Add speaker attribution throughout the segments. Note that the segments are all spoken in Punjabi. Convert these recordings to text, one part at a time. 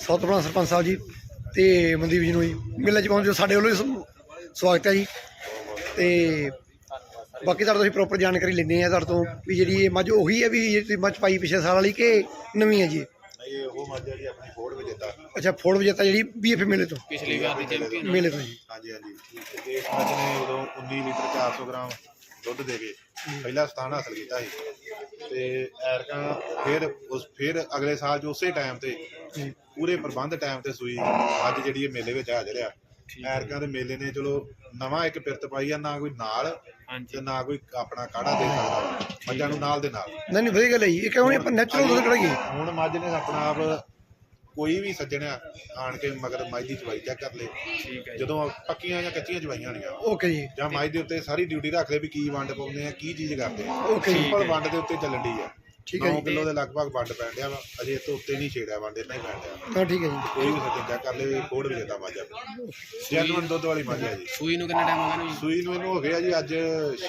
Speaker 1: ਸਭ ਤੋਂ ਪਹਿਲਾਂ ਸਰਪੰਚ ਸਾਹਿਬ ਜੀ ਤੇ ਮਨਦੀਪ ਜੀ ਨੂੰ ਜੀ ਮੇਲੇ 'ਚ ਪਹੁੰਚੋ ਸਾਡੇ ਵੱਲੋਂ ਸਵਾਗਤ ਹੈ ਜੀ। ਤੇ ਬਾਕੀ ਤੁਹਾਡੇ ਤੋਂ ਅਸੀਂ ਪ੍ਰੋਪਰ ਜਾਣਕਾਰੀ ਲੈਂਦੇ ਹਾਂ ਤੁਹਾਡੇ ਤੋਂ ਵੀ ਜਿਹੜੀ ਇਹ ਮੱਝ ਉਹੀ ਹੈ ਵੀ ਜਿਹੜੀ ਮੱਝ ਪਾਈ ਪਿਛਲੇ ਸਾਲ ਵਾਲੀ ਕਿ ਨਵੀਂ ਹੈ ਜੀ?
Speaker 2: ਇਹ ਉਹ ਮੱਝ ਜਿਹੜੀ ਆਪਣੀ ਫੋੜ ਵਿਜੇਤਾ।
Speaker 1: ਅੱਛਾ, ਫੋੜ ਵਿਜੇਤਾ ਜਿਹੜੀ BF ਮੇਲੇ ਤੋਂ
Speaker 3: ਪਿਛਲੀ ਵਾਰ ਦੀ ਚੈਂਪੀਅਨ
Speaker 1: ਮੇਲੇ ਤੋਂ ਜੀ।
Speaker 2: ਹਾਂਜੀ ਤੇ ਇਸ ਮੱਝ ਨੇ ਉਦੋਂ 19 ਲੀਟਰ 400 ਗ੍ਰਾਮ ਦੁੱਧ ਦੇ ਕੇ ਪਹਿਲਾ ਸਥਾਨ ਹਾਸਲ ਕੀਤਾ ਸੀ। ਤੇ ਐਰਕਾਂ ਫਿਰ ਅਗਲੇ ਸਾਲ ਜੋ ਉਸੇ ਟਾਈਮ ਤੇ ਪੂਰੇ ਪ੍ਰਬੰਧ ਟਾਈਮ ਤੇ ਸੂਈ ਅੱਜ ਜਿਹੜੀ ਇਹ ਮੇਲੇ ਵਿੱਚ ਹਾਜ਼ਰ ਆ। ਐਰਕਾਂ ਦੇ ਮੇਲੇ ਨੇ ਚਲੋ ਨਵਾਂ ਇੱਕ ਪਿਰਤ ਪਾਈ ਆ, ਨਾ ਕੋਈ ਨਾਲ ਤੇ ਨਾ ਕੋਈ ਆਪਣਾ ਕਾੜਾ ਦੇ ਸਕਦਾ ਮੱਝਾਂ ਨੂੰ ਨਾਲ ਦੇ ਨਾਲ।
Speaker 1: ਨਹੀਂ ਵਧੀਆ ਗੱਲ ਹੈ ਜੀ। ਇਹ ਕਿਉਂ ਨਹੀਂ ਆਪਾਂ ਨੈਚੁਰਲ ਦੁੱਧ ਕਢਾਈਏ।
Speaker 2: ਹੁਣ ਮੱਝ ਨੇ ਆਪਣਾ ਆਪ ਕੋਈ ਵੀ ਸੱਜਣਿਆ ਆਣ ਕੇ ਮਗਰ ਮੱਝ ਦੀ ਚਵਾਈ ਚੈੱਕ ਕਰ ਲੇ, ਜਦੋਂ ਪੱਕੀਆਂ ਜਾਂ ਕੱਚੀਆਂ ਚਵਾਈਆਂ ਹੋਣੀਆਂ
Speaker 1: ਓਕੇ ਜੀ,
Speaker 2: ਜਾਂ ਮੱਝ ਦੇ ਉੱਤੇ ਸਾਰੀ ਡਿਊਟੀ ਰੱਖ ਲੈ ਵੀ ਕੀ ਵੰਡ ਪਾਉਂਦੇ ਆ ਕੀ ਚੀਜ਼ ਕਰਦੇ ਆ।
Speaker 1: ਓਕੇ ਜੀ,
Speaker 2: ਸਿੰਪਲ ਵੰਡ ਦੇ ਉੱਤੇ ਚੱਲਣ ਦੀ ਆ।
Speaker 1: ਠੀਕ ਹੈ
Speaker 2: 9
Speaker 1: ਜੀ,
Speaker 2: ਕਿਲੋ ਦੇ ਲਗਭਗ ਵੰਡ ਪੈਣ ਡਿਆ ਵਾ, ਅਜੇ ਇਸ ਤੋਂ ਉੱਤੇ ਨਹੀਂ ਛੇੜਿਆ ਵੰਡ, ਇੰਨਾ ਹੀ ਪੈਣ ਡਿਆ।
Speaker 1: ਹਾਂ ਠੀਕ ਹੈ ਜੀ।
Speaker 2: ਕੋਈ ਵੀ ਸੱਜਣ ਚੈੱਕ ਕਰ ਲੈ ਫੋੜ ਵਿਜੇਤਾ ਮੱਝ ਆ, ਜੈਨੂਇਨ ਦੁੱਧ ਵਾਲੀ ਮੱਝ ਆ ਜੀ।
Speaker 3: ਸੂਈ ਨੂੰ ਕਿੰਨਾ ਟਾਈਮ ਹੋ ਗਿਆ ਨੂੰ?
Speaker 2: ਸੂਈ ਨੂੰ ਇਹਨੂੰ ਹੋ ਗਿਆ ਜੀ ਅੱਜ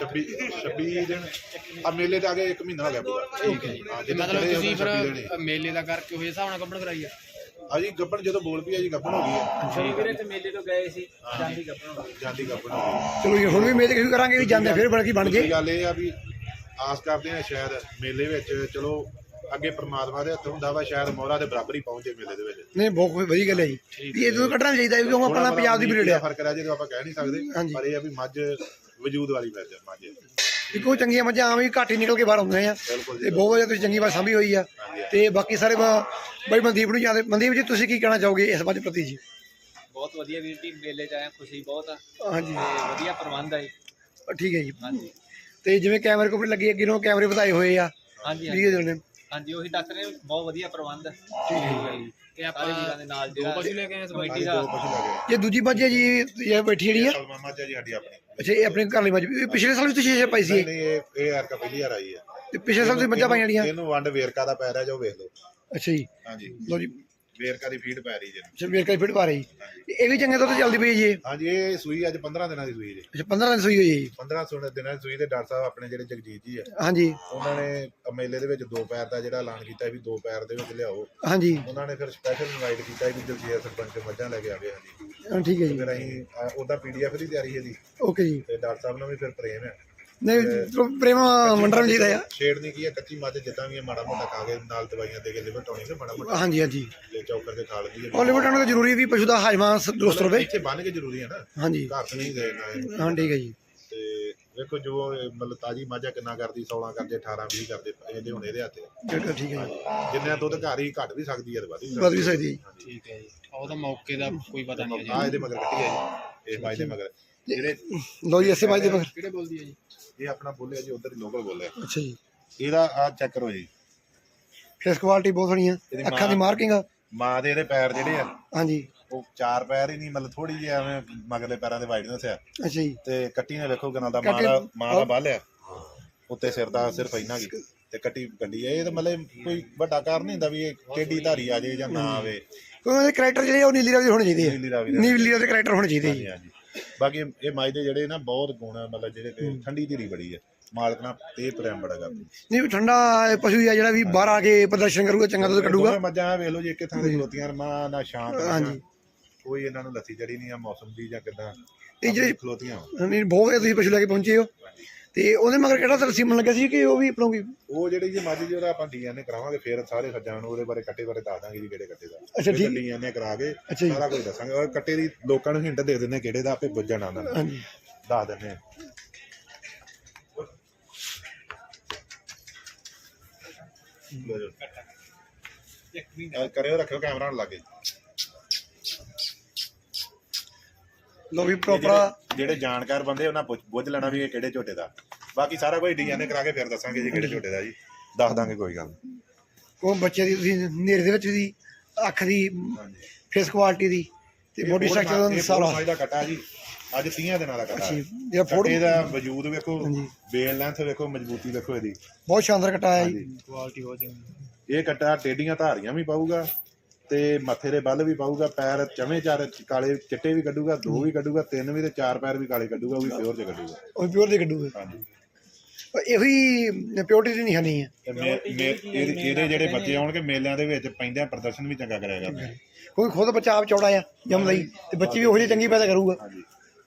Speaker 2: 26 ਦਿਨ ਆ, ਮੇਲੇ ਤੇ ਆ ਕੇ 1 ਮਹੀਨਾ ਹੋ ਗਿਆ ਪੂਰਾ।
Speaker 3: ਠੀਕ ਹੈ ਜੀ। ਮਤਲਬ ਤੁਸੀਂ ਫਿਰ ਮੇਲੇ ਦਾ ਕਰਕੇ ਹੋਏ ਹਿਸਾਬ ਨਾਲ ਕੱਪੜ ਕਰਾਈ ਆ?
Speaker 2: ਅਜੀ ਗੱਬਣ ਜਦੋਂ ਬੋਲ ਪਈ ਆ ਜੀ ਗੱਬਣ ਹੋ ਗਈ ਹੈ।
Speaker 3: ਵੀਰੇ ਤੇ ਮੇਲੇ ਤੋਂ ਗਏ ਸੀ, ਜਾਂਦੀ ਗੱਪੜ ਹੋ ਗਈ।
Speaker 2: ਜਾਂਦੀ ਗੱਬਣ ਹੋ ਗਈ।
Speaker 1: ਚਲੋ ਜੀ ਹੁਣ ਵੀ ਮੇਲੇ ਕਿਉਂ ਕਰਾਂਗੇ ਵੀ ਜਾਂਦੇ ਫਿਰ ਬਣ ਜੇ।
Speaker 2: ਗੱਲ ਇਹ ਆ ਵੀ ਆਸ ਕਰਦੇ ਆ ਸ਼ਾਇਦ ਮੇਲੇ ਵਿੱਚ ਚਲੋ ਅੱਗੇ ਪ੍ਰਮਾਤਮਾ ਦੇ ਹੱਥ ਹੁੰਦਾ ਵਾ, ਸ਼ਾਇਦ ਮੋਹਰਾ ਦੇ ਬਰਾਬਰ ਹੀ ਪਹੁੰਚੇ ਮੇਲੇ ਦੇ ਵਿੱਚ।
Speaker 1: ਨਹੀਂ ਬਹੁਤ ਵਧੀਆ ਗੱਲ ਹੈ ਜੀ ਵੀ ਇਹ ਤੋਂ ਕੱਢਣਾ ਚਾਹੀਦਾ ਕਿਉਂਕਿ ਆਪਣਾ ਪੰਜਾਬ ਦੀ ਬਰੀਡ ਆ।
Speaker 2: ਫਰਕ ਰਹਿ ਜੇ ਆਪਾਂ ਕਹਿ ਨਹੀਂ ਸਕਦੇ, ਪਰ ਇਹ ਆ ਵੀ ਮੱਝ ਵਜੂਦ ਵਾਲੀ ਮੱਝ
Speaker 1: ਇੱਕੋ ਚੰਗੀਆਂ ਮੱਝਾਂ ਆਵੇਂ ਘੱਟ ਹੀ ਨਿਕਲ ਕੇ ਬਾਹਰ ਆਉਂਦੀਆਂ ਆ ਤੇ ਬਹੁਤ ਵਧੀਆ ਤੁਸੀਂ ਚੰਗੀ ਬਾਤ ਸਾਂਭੀ ਹੋਈ ਆ। ਤੇ ਬਾਕੀ ਸਾਰੇ ਬਾਈ ਮਨਦੀਪ ਨੂੰ ਜਾਂਦੇ। ਮਨਦੀਪ ਜੀ ਤੁਸੀਂ ਕੀ ਕਹਿਣਾ ਚਾਹੋਗੇ ਇਸ ਮੱਝ ਪ੍ਰਤੀ ਜੀ?
Speaker 4: ਬਹੁਤ ਵਧੀਆ ਵੀਰ ਜੀ, ਮੇਲੇ 'ਚ ਆਇਆ ਖੁਸ਼ੀ ਬਹੁਤ ਆ।
Speaker 1: ਹਾਂਜੀ
Speaker 4: ਤੇ ਵਧੀਆ ਪ੍ਰਬੰਧ ਆ ਜੀ।
Speaker 1: ਠੀਕ ਹੈ ਜੀ।
Speaker 4: ਹਾਂਜੀ
Speaker 1: ਤੇ ਜਿਵੇਂ ਕੈਮਰੇ ਕੋਲ ਲੱਗੇ ਅੱਗੇ ਨੂੰ ਕੈਮਰੇ ਵਧਾਏ ਹੋਏ ਆ।
Speaker 4: ਹਾਂਜੀ ਹਾਂਜੀ ਉਹੀ ਡਾਕਟਰ ਨੇ ਬਹੁਤ ਵਧੀਆ ਪ੍ਰਬੰਧ। ਠੀਕ ਹੈ ਜੀ।
Speaker 3: ਤੇ ਆਪਾਂ
Speaker 4: ਸਾਰੇ ਵੀਰਾਂ ਦੇ ਨਾਲ
Speaker 3: ਦੋ ਪਸ਼ੂ ਲੈ ਕੇ ਆਏ
Speaker 4: ਕਮੇਟੀ
Speaker 2: ਦੋ
Speaker 4: ਦਾ।
Speaker 2: ਪਸ਼ੂ ਲੱਗੇ।
Speaker 1: ਇਹ ਦੂਜੀ ਮੱਝ ਹੈ ਜੀ ਇਹ ਬੈਠੀ ਜਿਹੜੀ ਆ?
Speaker 2: ਸਲਮਾ ਮੱਝ ਆ ਜੀ ਸਾਡੀ ਆਪਣੀ।
Speaker 1: ਅੱਛਾ, ਇਹ ਆਪਣੇ ਘਰ ਲਈ ਮੱਝ ਪਿਛਲੇ ਸਾਲ ਵੀ ਤੁਸੀਂ ਇਹ ਪਾਈ ਸੀ?
Speaker 2: ਨਹੀਂ ਇਹ ਯਾਰ ਕਾ ਪਹਿਲੀ ਵਾਰ ਆਈ ਆ।
Speaker 1: ਤੇ ਪਿਛਲੇ ਸਾਲ ਤੁਸੀਂ ਮੱਝਾਂ ਪਾਈਆਂ ਜਿਹੜੀਆਂ?
Speaker 2: ਇਹਨੂੰ ਵੰਡ ਵੇਰਕਾ ਦਾ ਪੈ ਰਿਹਾ ਜੋ ਵੇਖ ਲਓ।
Speaker 1: ਅੱਛਾ ਜੀ,
Speaker 2: ਹਾਂਜੀ
Speaker 1: ਲਓ ਜੀ
Speaker 2: ਵੇਰਕਾ ਦੀ ਫੀਡ ਪੈ ਰਹੀ ਜੀ।
Speaker 1: ਅੱਛਾ ਵੇਰਕਾ ਦੀ ਫੀਡ ਪਾ ਰਹੀ। ਇਹ ਵੀ ਚੰਗੇ ਦੁੱਧ ਚੱਲਦੀ ਪਈ ਜੀ?
Speaker 2: ਹਾਂਜੀ ਇਹ ਸੂਈ ਅੱਜ 15 ਦਿਨਾਂ ਦੀ ਸੂਈ ਜੀ।
Speaker 1: ਅੱਛਾ 15 ਦਿਨ ਸੂਈ ਹੋਈ ਹੈ ਜੀ।
Speaker 2: 15 ਦਿਨਾਂ ਦੀ ਸੂਈ। ਤੇ ਡਾਕਟਰ ਸਾਹਿਬ ਆਪਣੇ ਜਿਹੜੇ ਜਗਜੀਤ ਜੀ ਆ,
Speaker 1: ਹਾਂਜੀ
Speaker 2: ਉਹਨਾਂ ਨੇ ਮੇਲੇ ਦੇ ਵਿੱਚ 2 ਪੈਰ ਦਾ ਜਿਹੜਾ ਐਲਾਨ ਕੀਤਾ ਵੀ 2 ਪੈਰ ਦੇ ਵਿੱਚ ਲਿਆਓ।
Speaker 1: ਹਾਂਜੀ
Speaker 2: ਉਹਨਾਂ ਨੇ ਫਿਰ ਸਪੈਸ਼ਲ ਇਨਵਾਈਟ ਕੀਤਾ ਵੀ ਜਗਜੀਤ ਸਰਪੰਚ ਮੱਝਾਂ ਲੈ ਕੇ ਆਵੇ। ਹਾਂਜੀ
Speaker 1: ਠੀਕ ਹੈ ਜੀ।
Speaker 2: ਫਿਰ ਅਸੀਂ ਉਹਦਾ PDF ਦੀ ਤਿਆਰੀ ਹੈ ਜੀ।
Speaker 1: ਓਕੇ ਜੀ।
Speaker 2: ਤੇ ਡਾਕਟਰ ਸਾਹਿਬ ਨਾਲ ਵੀ ਫਿਰ ਪ੍ਰੇਮ ਹੈ।
Speaker 1: ਨਹੀਂ ਪ੍ਰੇਮ ਮੰਡਰਮ ਜੀ ਦਾ ਆ।
Speaker 2: ਛੇੜਨੀ ਕੀ ਹੈ, ਕੱਚੀ ਮੱਝ ਜਿੱਦਾਂ ਵੀ ਮਾੜਾ ਮੋਟਾ ਖਾ ਕੇ ਨਾਲ ਦਵਾਈਆਂ ਦੇ ਕੇ ਲਿਵਰ ਟਾਉਣੀ ਤੇ ਮਾੜਾ ਮੋਟਾ
Speaker 1: ਹਾਂਜੀ ਹਾਂਜੀ
Speaker 2: ਜੇ ਚੌਕਰ ਕੇ ਖਾ ਲੈਂਦੀ ਹੈ।
Speaker 1: ਹਾਲੀਵੁੱਡ ਆਉਣਾ ਤਾਂ ਜ਼ਰੂਰੀ ਵੀ ਪਸ਼ੂ ਦਾ ਹਾਜ਼ਮਾ ਦੁਰਸਤ ਰਵੇ।
Speaker 2: ਇੱਥੇ ਬੰਨ ਕੇ ਜ਼ਰੂਰੀ ਹੈ ਨਾ,
Speaker 1: ਹਾਂਜੀ
Speaker 2: ਘਰ ਤੇ ਨਹੀਂ ਦੇਣਾ।
Speaker 1: ਹਾਂ ਠੀਕ ਹੈ ਜੀ।
Speaker 2: ਤੇ ਵੇਖੋ ਜੋ ਮਤਲਬ ਤਾਜੀ ਮਾਝਾ ਕਿੰਨਾ ਕਰਦੀ, 16 ਕਰਦੇ, 18 20 ਕਰਦੇ, ਇਹਦੇ ਹੁਣ ਇਹਦੇ ਹੱਥ।
Speaker 1: ਠੀਕ ਹੈ ਜੀ।
Speaker 2: ਜਿੰਨਾ ਦੁੱਧ ਘਰ ਹੀ ਘੱਟ ਵੀ ਸਕਦੀ ਹੈ, ਵੱਧ
Speaker 1: ਵੀ ਸਕਦੀ ਹੈ।
Speaker 3: ਠੀਕ ਹੈ ਜੀ। ਉਹਦਾ ਮੌਕੇ ਦਾ ਕੋਈ ਪਤਾ ਨਹੀਂ
Speaker 2: ਆ ਇਹਦੇ ਮਗਰ ਕੱਟੀ ਹੈ ਜੀ, ਇਹ ਬਾਈ ਦੇ ਮਗਰ ਜਿਹੜੇ।
Speaker 1: ਲਓ ਜੀ ਇਸੇ ਬਾਈ ਦੇ ਮਗਰ
Speaker 3: ਕਿਹੜੇ ਬੋਲਦੀ ਹੈ ਜੀ?
Speaker 2: ਇਹ ਆਪਣਾ ਬੋਲਿਆ ਜੀ, ਉਧਰ ਹੀ ਲੋਕਲ ਬੋਲਿਆ।
Speaker 1: ਅੱਛਾ ਜੀ।
Speaker 2: ਇਹਦਾ ਆ ਚੈੱਕ ਕਰੋ ਜੀ,
Speaker 1: ਫੇਸ ਕੁਆਲਿਟੀ ਬਹੁਤ ਸੋਹਣੀ ਆ, ਅੱਖਾਂ ਦੀ ਮਾਰਕਿੰਗ ਆ।
Speaker 2: ਮਾਂ ਦੇ ਇਹਦੇ ਪੈਰ ਜਿਹੜੇ ਆ
Speaker 1: ਹਾਂਜੀ
Speaker 2: ਉਹ 4 ਪੈਰ ਹੀ ਨਹੀਂ, ਮਤਲਬ ਥੋੜੀ ਜਿਹੀ ਐਵੇਂ ਮਗਰਲੇ ਪੈਰਾਂ ਦੇ ਵਾਈਡਨੈਸ ਆ।
Speaker 1: ਅੱਛਾ ਜੀ।
Speaker 2: ਤੇ ਕੱਟੀ ਨੇ ਵੇਖੋ ਕਿੰਨਾ ਦਾ ਮਾਂ ਦਾ ਬੱਲ ਆ ਉੱਤੇ, ਸਿਰ ਦਾ ਸਿਰਫ ਇੰਨਾ ਕੀ ਤੇ ਕੱਟੀ ਗੱਡੀ ਆ। ਇਹ ਤਾਂ ਮਤਲਬ ਕੋਈ ਵੱਡਾ ਕਾਰਨ ਨਹੀਂ ਹੁੰਦਾ ਵੀ ਇਹ ਟੇਢੀ ਧਾਰੀ ਆ ਜੇ ਜਾਂ ਨਾ ਆਵੇ।
Speaker 1: ਕਿਉਂਕਿ ਉਹਦੇ ਕਰੈਕਟਰ ਜਿਹੜੇ ਉਹ ਨੀਲੀ ਰਾਵੀ ਹੋਣੇ ਚਾਹੀਦੇ ਆ। ਨੀਲੀ ਰਾਵੀ ਦੇ ਕਰੈਕਟਰ ਹੋਣੇ ਚਾਹੀਦੇ ਜੀ।
Speaker 2: ਹਾਂਜੀ। ਬਾਕੀ ਇਹ ਮੱਝ ਦੇ ਜਿਹੜੇ ਨਾ ਬਹੁਤ ਗੁਣ ਆ, ਮਤਲਬ ਜਿਹੜੇ ਠੰਡੀ ਧੀਰੀ ਬੜੀ ਆ, ਮਾਲਕ ਨਾਲ ਤੇ ਪ੍ਰੇਮ ਬੜਾ ਕਰਦੀ।
Speaker 1: ਨਹੀਂ ਠੰਡਾ ਪਸ਼ੂ ਆ ਜਿਹੜਾ ਵੀ ਬਾਹਰ ਆ ਕੇ ਪ੍ਰਦਰਸ਼ਨ ਕਰੂਗਾ, ਚੰਗਾ ਦੁੱਧ ਕੱਢੂਗਾ।
Speaker 2: ਮੱਝਾਂ ਵੇਖ ਲਓ ਜੀ, ਇੱਕ ਥਾਂ ਤੇ ਖਲੋਤੀਆਂ ਮਾਂ ਨਾ ਸ਼ਾਂਤ।
Speaker 1: ਹਾਂਜੀ
Speaker 2: ਕੋਈ ਇਹਨਾਂ ਨੂੰ ਲੱਥੀ ਚੜੀ ਨਹੀਂ ਆ ਮੌਸਮ ਦੀ ਜਾਂ ਕਿੱਦਾਂ,
Speaker 1: ਇਹ ਜਿਹੜੇ
Speaker 2: ਖਲੋਤੀਆਂ।
Speaker 1: ਨਹੀਂ ਬਹੁਤ ਵਧੀਆ ਤੁਸੀਂ ਪਸ਼ੂ ਲੈ ਕੇ ਪਹੁੰਚੇ ਹੋ। ਤੇ ਉਹਦੇ ਮਗਰ ਕਿਹੜਾ ਤਰਸੀ ਮਨ ਲੱਗਿਆ ਸੀ ਕਿ ਉਹ ਵੀ ਆਪਣੋਂ
Speaker 2: ਉਹ ਜਿਹੜੀ ਜੀ ਮੱਝ ਜਿਹੜਾ ਆਪਾਂ DNA ਕਰਾਵਾਂਗੇ, ਫਿਰ ਸਾਰੇ ਸੱਜਾਂ ਨੂੰ ਉਹਦੇ ਬਾਰੇ ਕੱਟੇ ਬਾਰੇ ਦੱਸ ਦਾਂਗੇ ਜੀ, ਕਿਹੜੇ ਕੱਟੇ ਦਾ।
Speaker 1: ਅੱਛਾ ਠੀਕ।
Speaker 2: DNA ਕਰਾ ਕੇ ਸਾਰਾ ਕੁਝ ਦੱਸਾਂਗੇ, ਔਰ ਕੱਟੇ ਦੀ ਲੋਕਾਂ ਨੂੰ ਹਿੰਟ ਦੇ ਦਿੰਦੇ ਕਿਹੜੇ ਦਾ, ਆਪੇ ਬੁੱਝ ਜਾਣਾ ਉਹਨਾਂ ਨੇ।
Speaker 1: ਹਾਂਜੀ
Speaker 2: ਦੱਸ ਦਿੰਦੇ ਕਰਿਓ, ਰੱਖਿਓ ਕੈਮਰਾ ਨਾਲ ਲਾਗੇ।
Speaker 1: ਲੋ ਵੀ ਪ੍ਰੋਪਰ
Speaker 2: ਜਿਹੜੇ ਜਾਣਕਾਰ ਬੰਦੇ ਉਹਨਾਂ ਬੁੱਝ ਲੈਣਾ ਵੀ ਇਹ ਕਿਹੜੇ ਝੋਟੇ ਦਾ। ਬਾਕੀ ਸਾਰਾ ਕੁਝ DNA ਕਰਾ ਕੇ ਫਿਰ ਦੱਸਾਂਗੇ ਜੀ ਕਿਹੜੇ ਝੋਟੇ ਦਾ ਜੀ, ਦੱਸ ਦਾਂਗੇ, ਕੋਈ ਗੱਲ ਨਹੀਂ।
Speaker 1: ਉਹ ਬੱਚੇ ਦੀ ਤੁਸੀਂ ਨੇਰੇ ਦੇ ਵਿੱਚ ਦੀ ਅੱਖ ਦੀ ਫੇਸ ਕੁਆਲਿਟੀ ਦੀ ਤੇ ਬੋਡੀ ਸਟਰਕਚਰ ਦਾ ਸਾਰਾ
Speaker 2: ਦਾ ਕੱਟਾ ਜੀ, ਅੱਜ 30 ਦਿਨਾਂ ਦਾ ਕੱਟਾ।
Speaker 1: ਜਿਹੜਾ ਫੋਟੋ
Speaker 2: ਇਹਦਾ ਵਜੂਦ ਵੇਖੋ, ਬੇਲ ਲੈਂਥ ਵੇਖੋ, ਮਜ਼ਬੂਤੀ ਵੇਖੋ ਇਹਦੀ,
Speaker 1: ਬਹੁਤ ਸ਼ਾਨਦਾਰ ਕੱਟਾ ਹੈ ਜੀ।
Speaker 3: ਕੁਆਲਿਟੀ ਬਹੁਤ ਚੰਗੀ।
Speaker 2: ਇਹ ਕੱਟਾ ਟੇਡੀਆਂ ਧਾਰੀਆਂ ਵੀ ਪਾਊਗਾ ਤੇ ਮੱਥੇ ਦੇ ਬੱਲ ਵੀ ਪਾਊਗਾ, ਪੈਰ ਚਵੇਂ 4 ਕਾਲੇ ਚਿੱਟੇ ਵੀ ਕੱਢੂਗਾ, 2 ਵੀ ਕੱਢੂਗਾ, 3 ਵੀ ਤੇ 4 ਪੈਰ ਵੀ ਕਾਲੇ ਕੱਢੂਗਾ, ਉਹ ਵੀ ਪਿਓਰ ਚ ਕੱਢੂਗਾ,
Speaker 1: ਉਹ ਪਿਓਰ ਦੇ ਕੱਢੂਗਾ।
Speaker 2: ਹਾਂਜੀ।
Speaker 1: ਪਰ ਇਹੋ ਹੀ ਪਿਓਰਟੀ ਦੀ ਨਿਸ਼ਾਨੀ ਹੈ।
Speaker 2: ਤੇ ਇਹਦੇ ਜਿਹੜੇ ਬੱਚੇ ਆਉਣਗੇ ਮੇਲਿਆਂ ਦੇ ਵਿੱਚ ਪੈਂਦਿਆਂ ਪ੍ਰਦਰਸ਼ਨ ਵੀ ਚੰਗਾ ਕਰਿਆ ਕਰਦੇ।
Speaker 1: ਕੋਈ ਖੁਦ ਬੱਚਾ ਆਪ ਚੌੜਾ ਆ ਜੰਮ ਲਈ ਤੇ ਬੱਚੇ ਵੀ ਉਹੋ ਜਿਹੀ ਚੰਗੀ ਪੈਦਾ ਕਰੂਗਾ।
Speaker 2: ਹਾਂਜੀ।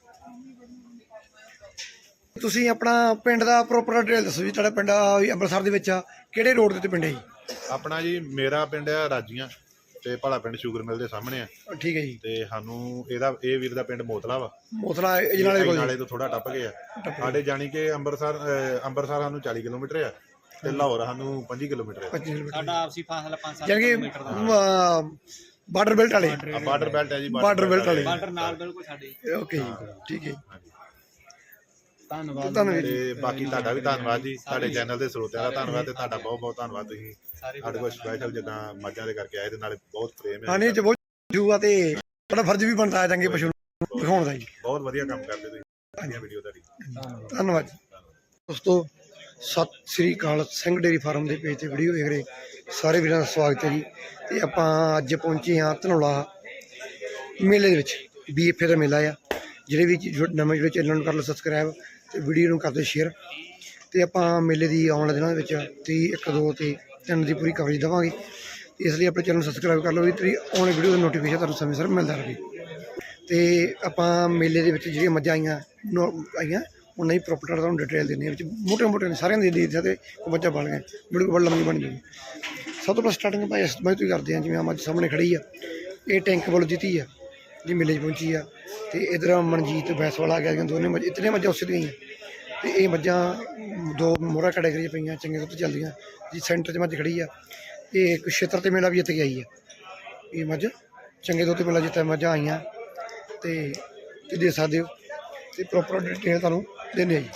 Speaker 1: ਤੁਸੀਂ ਆਪਣਾ ਪਿੰਡ ਦਾ ਪ੍ਰੋਪਰ ਡਿਟੇਲ ਦੱਸੋ ਜੀ। ਤੁਹਾਡਾ ਪਿੰਡ ਅੰਮ੍ਰਿਤਸਰ ਦੇ ਵਿੱਚ ਆ, ਕਿਹੜੇ ਰੋਡ ਦੇ ਉੱਤੇ ਪਿੰਡ ਹੈ ਜੀ?
Speaker 2: ਆਪਣਾ ਜੀ ਮੇਰਾ ਪਿੰਡ ਆ ਰਾਜੀਆਂ ਤੇ ਭਲਾ ਪਿੰਡ ਸ਼ੂਗਰ ਮਿਲ ਦੇ ਸਾਹਮਣੇ ਆ।
Speaker 1: ਠੀਕ ਹੈ ਜੀ।
Speaker 2: ਤੇ ਸਾਨੂੰ ਇਹ ਵੀਰ ਦਾ ਪਿੰਡ ਮੋਤਲਾ ਵਾ,
Speaker 1: ਮੋਤਲਾ ਅਜਨਾਲੇ ਕੋਲ
Speaker 2: ਨਾਲੇ ਤੋਂ ਥੋੜਾ ਟੱਪ ਗਿਆ ਸਾਡੇ, ਜਾਣੀ ਕਿ ਅੰਮ੍ਰਿਤਸਰ ਸਾਨੂੰ 40 ਕਿਲੋਮੀਟਰ ਆ ਤੇ ਲਾਹੌਰ ਸਾਨੂੰ 25 ਕਿਲੋਮੀਟਰ ਆ।
Speaker 1: 25 ਕਿਲੋਮੀਟਰ
Speaker 4: ਸਾਡਾ ਆਪਸੀ ਫਾਸਲਾ 5-7
Speaker 1: ਯਾਨੀ
Speaker 4: ਕਿਲੋਮੀਟਰ ਦਾ।
Speaker 1: ਬਾਰਡਰ ਬੈਲਟ ਵਾਲੇ
Speaker 2: ਬਾਰਡਰ ਬੈਲਟ ਹੈ ਜੀ।
Speaker 1: ਬਾਰਡਰ ਬੈਲਟ ਵਾਲੇ।
Speaker 4: ਬਾਰਡਰ ਨਾਲ ਬਿਲਕੁਲ ਸਾਡੇ।
Speaker 1: ਓਕੇ ਜੀ, ਠੀਕ ਹੈ।
Speaker 3: ਧੰਨਵਾਦ।
Speaker 1: ਧੰਨਵਾਦ ਜੀ।
Speaker 2: ਤੇ ਬਾਕੀ ਤੁਹਾਡਾ ਵੀ ਧੰਨਵਾਦ ਜੀ, ਤੁਹਾਡੇ ਚੈਨਲ ਦੇ ਸਰੋਤਿਆਂ ਦਾ ਧੰਨਵਾਦ ਤੇ ਤੁਹਾਡਾ ਬਹੁਤ ਬਹੁਤ ਧੰਨਵਾਦ। ਤੁਸੀਂ ਸਾਡੇ ਕੋਲ ਸਪੈਸ਼ਲ ਜਿੱਦਾਂ ਮੱਝਾਂ ਦੇ ਕਰਕੇ ਆਏ ਤੇ ਨਾਲੇ ਬਹੁਤ ਪ੍ਰੇਮ
Speaker 1: ਹਾਂ
Speaker 2: ਹੈ।
Speaker 1: ਨਹੀਂ, ਬਹੁਤ ਜੂਆ ਤੇ ਤੁਹਾਡਾ ਫਰਜ਼ ਵੀ ਬਣਦਾ ਹੈ ਚੰਗੇ ਪਸ਼ੂ ਨੂੰ ਦਿਖਾਉਣ ਦਾ ਜੀ।
Speaker 2: ਬਹੁਤ ਵਧੀਆ ਕੰਮ ਕਰਦੇ ਤੁਸੀਂ, ਵਧੀਆ ਵੀਡੀਓ ਤੁਹਾਡੀ।
Speaker 1: ਧੰਨਵਾਦ ਜੀ। ਦੋਸਤੋ ਸਤਿ ਸ੍ਰੀ ਅਕਾਲ। ਸਿੰਘ ਡੇਅਰੀ ਫਾਰਮ ਦੇ ਪੇਜ ਤੇ ਵੀਡੀਓ ਵੇਖ ਰਹੇ ਸਾਰੇ ਵੀਰਾਂ ਦਾ ਸਵਾਗਤ ਹੈ ਜੀ। ਤੇ ਆਪਾਂ ਅੱਜ ਪਹੁੰਚੇ ਹਾਂ ਧਨੌਲਾ ਮੇਲੇ ਦੇ ਵਿੱਚ। BFA ਦਾ ਮੇਲਾ ਆ। ਜਿਹੜੇ ਵੀ ਨਵੇਂ ਜਿਹੜੇ ਚੈਨਲ ਨੂੰ ਕਰ ਲਓ ਸਬਸਕ੍ਰਾਈਬ ਤੇ ਵੀਡੀਓ ਨੂੰ ਕਰਦੇ ਸ਼ੇਅਰ। ਤੇ ਆਪਾਂ ਮੇਲੇ ਦੀ ਆਉਣ ਵਾਲੇ ਦਿਨਾਂ ਦੇ ਵਿੱਚ 30, 1, 2 ਤੇ 3 ਦੀ ਪੂਰੀ ਕਵਰੇਜ ਦੇਵਾਂਗੇ। ਇਸ ਲਈ ਆਪਣੇ ਚੈਨਲ ਨੂੰ ਸਬਸਕ੍ਰਾਈਬ ਕਰ ਲਓ ਵੀ ਤੇਰੀ ਆਉਣ ਵਾਲੀ ਵੀਡੀਓ ਦਾ ਨੋਟੀਫਿਕੇਸ਼ਨ ਤੁਹਾਨੂੰ ਸਮੇਂ ਸਿਰ ਮਿਲਦਾ ਰਹੇ। ਤੇ ਆਪਾਂ ਮੇਲੇ ਦੇ ਵਿੱਚ ਜਿਹੜੀਆਂ ਮੱਝਾਂ ਆਈਆਂ ਉਹਨਾਂ ਦੀ ਪ੍ਰੋਪਰਟੀ ਤੁਹਾਨੂੰ ਡਿਟੇਲ ਦਿੰਦੇ ਹਾਂ। ਵਿੱਚ ਮੋਟੇ ਸਾਰਿਆਂ ਦੇ ਦੇ ਤੇ ਮੱਝਾਂ ਬਣ ਗਏ, ਵੀਡੀਓ ਬੜੀ ਲੰਮੀ ਬਣ ਗਈ। ਸਭ ਤੋਂ ਪਹਿਲਾਂ ਸਟਾਰਟਿੰਗ ਆਪਾਂ ਇਸ ਮੱਝ ਤੋਂ ਹੀ ਕਰਦੇ ਹਾਂ। ਜਿਵੇਂ ਆ ਮੱਝ ਸਾਹਮਣੇ ਖੜੀ ਆ, ਇਹ ਟੈਂਕ ਵੱਲੋਂ ਜਿੱਤੀ ਆ ਜੀ, ਮੇਲੇ 'ਚ ਪਹੁੰਚੀ ਆ। ਤੇ ਇੱਧਰ ਮਨਜੀਤ ਬੈਸਵਾਲ ਆ ਗਿਆ, ਦੋਨੇ ਮੱਝ ਇਤਨੇ ਮੱਝਾਂ ਉਸੇ ਦੀਆਂ। ਤੇ ਇਹ ਮੱਝਾਂ 2 ਮੋਹਰਾ ਕੈਟੇਗਰੀ ਪਈਆਂ, ਚੰਗੇ ਦੁੱਧ ਚੱਲਦੀਆਂ ਜੀ। ਸੈਂਟਰ 'ਚ ਮੱਝ ਖੜੀ ਆ, ਇਹ ਕੁਸ਼ੇਤਰ ਤੇ ਮੇਲਾ ਵੀ ਜਿੱਤ ਕੇ ਆਈ ਆ। ਇਹ ਮੱਝ ਚੰਗੇ ਦੁੱਧ ਮੇਲਾ ਜਿੱਤਿਆ ਮੱਝਾਂ ਆਈਆਂ ਤੇ ਦੇ ਸਕਦੇ ਹੋ। ਤੇ ਪ੍ਰੋਪਰ ਡਿਟੇਲ ਤੁਹਾਨੂੰ ਦਿੰਦੇ ਆ ਜੀ।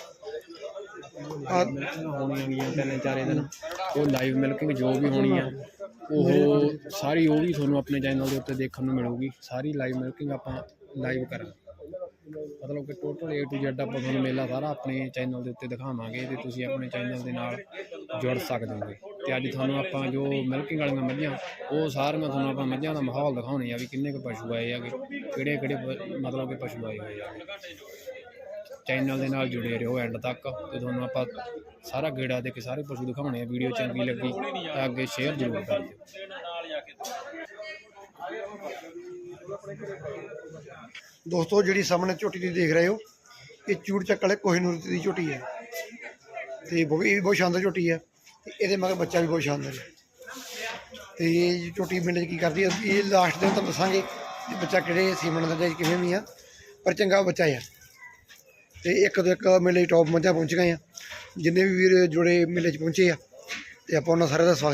Speaker 3: ਹੋਣੀਆਂ ਗਈਆਂ 3-4 ਦਿਨ, ਉਹ ਲਾਈਵ ਮਿਲਕਿੰਗ ਜੋ ਵੀ ਹੋਣੀ ਆ ਉਹ ਸਾਰੀ ਉਹ ਵੀ ਤੁਹਾਨੂੰ ਆਪਣੇ ਚੈਨਲ ਦੇ ਉੱਤੇ ਦੇਖਣ ਨੂੰ ਮਿਲੂਗੀ। ਸਾਰੀ ਲਾਈਵ ਮਿਲਕਿੰਗ ਆਪਾਂ ਲਾਈਵ ਕਰਾਂਗੇ, ਮਤਲਬ ਕਿ ਟੋਟਲ A to Z ਆਪਾਂ ਤੁਹਾਨੂੰ ਮੇਲਾ ਸਾਰਾ ਆਪਣੇ ਚੈਨਲ ਦੇ ਉੱਤੇ ਦਿਖਾਵਾਂਗੇ ਤੇ ਤੁਸੀਂ ਆਪਣੇ ਚੈਨਲ ਦੇ ਨਾਲ ਜੁੜ ਸਕਦੇ ਹੋਗੇ। ਤੇ ਅੱਜ ਤੁਹਾਨੂੰ ਆਪਾਂ ਜੋ ਮਿਲਕਿੰਗ ਵਾਲੀਆਂ ਮੱਝਾਂ ਉਹ ਸਾਰੀਆਂ ਤੁਹਾਨੂੰ ਆਪਾਂ ਮੱਝਾਂ ਦਾ ਮਾਹੌਲ ਦਿਖਾਉਣੇ ਆ ਵੀ ਕਿੰਨੇ ਕੁ ਪਸ਼ੂ ਆਏ ਹੈਗੇ, ਕਿਹੜੇ ਮਤਲਬ ਕਿ ਪਸ਼ੂ ਆਏ ਹੋਏ ਆ। ਚੈਨਲ ਦੇ ਨਾਲ ਜੁੜੇ ਰਹੋ ਐਂਡ ਤੱਕ ਤੇ ਤੁਹਾਨੂੰ ਆਪਾਂ ਸਾਰਾ ਗੇੜਾ ਦੇ ਕੇ ਸਾਰੇ ਪਸ਼ੂ ਦਿਖਾਉਣੇ ਆ। ਵੀਡੀਓ ਚੰਗੀ ਲੱਗੀ ਤਾਂ ਅੱਗੇ ਸ਼ੇਅਰ ਜ਼ਰੂਰ ਕਰ ਦਿਓ।
Speaker 1: ਦੋਸਤੋ ਜਿਹੜੀ ਸਾਹਮਣੇ ਝੋਟੀ ਤੁਸੀਂ ਦੇਖ ਰਹੇ ਹੋ, ਇਹ ਚੂੜ ਚੱਕ ਵਾਲੇ ਕੋਹਿਨੂਰ ਦੀ ਝੋਟੀ ਹੈ। ਤੇ ਇਹ ਵੀ ਬਹੁਤ ਸ਼ਾਨਦਾਰ ਝੋਟੀ ਹੈ। ਤੇ ਇਹਦੇ ਮਗਰ ਬੱਚਾ ਵੀ ਬਹੁਤ ਸ਼ਾਨਦਾਰ ਹੈ। ਤੇ ਇਹ ਝੋਟੀ ਮਿੰਟ 'ਚ ਕੀ ਕਰਦੀ ਹੈ, ਇਹ ਲਾਸਟ ਦਿਨ ਤੁਹਾਨੂੰ ਦੱਸਾਂਗੇ ਕਿ ਬੱਚਾ ਕਿਹੜੇ ਸੀਮਨ ਦਾ ਜਾਂ ਕਿਵੇਂ ਵੀ ਆ, ਪਰ ਚੰਗਾ ਬੱਚਾ ਆ। ਤੇ ਇੱਕ ਤੋਂ ਇੱਕ ਮੇਲੇ ਟੌਪ ਮੱਝਾਂ ਪਹੁੰਚ ਗਏ ਆ। ਜਿੰਨੇ ਵੀ ਵੀਰ ਜੁੜੇ ਮੇਲੇ 'ਚ ਪਹੁੰਚੇ ਆ ਤੇ ਆਪਾਂ ਉਹਨਾਂ ਸਾਰਿਆਂ ਦਾ ਸਵਾਗਤ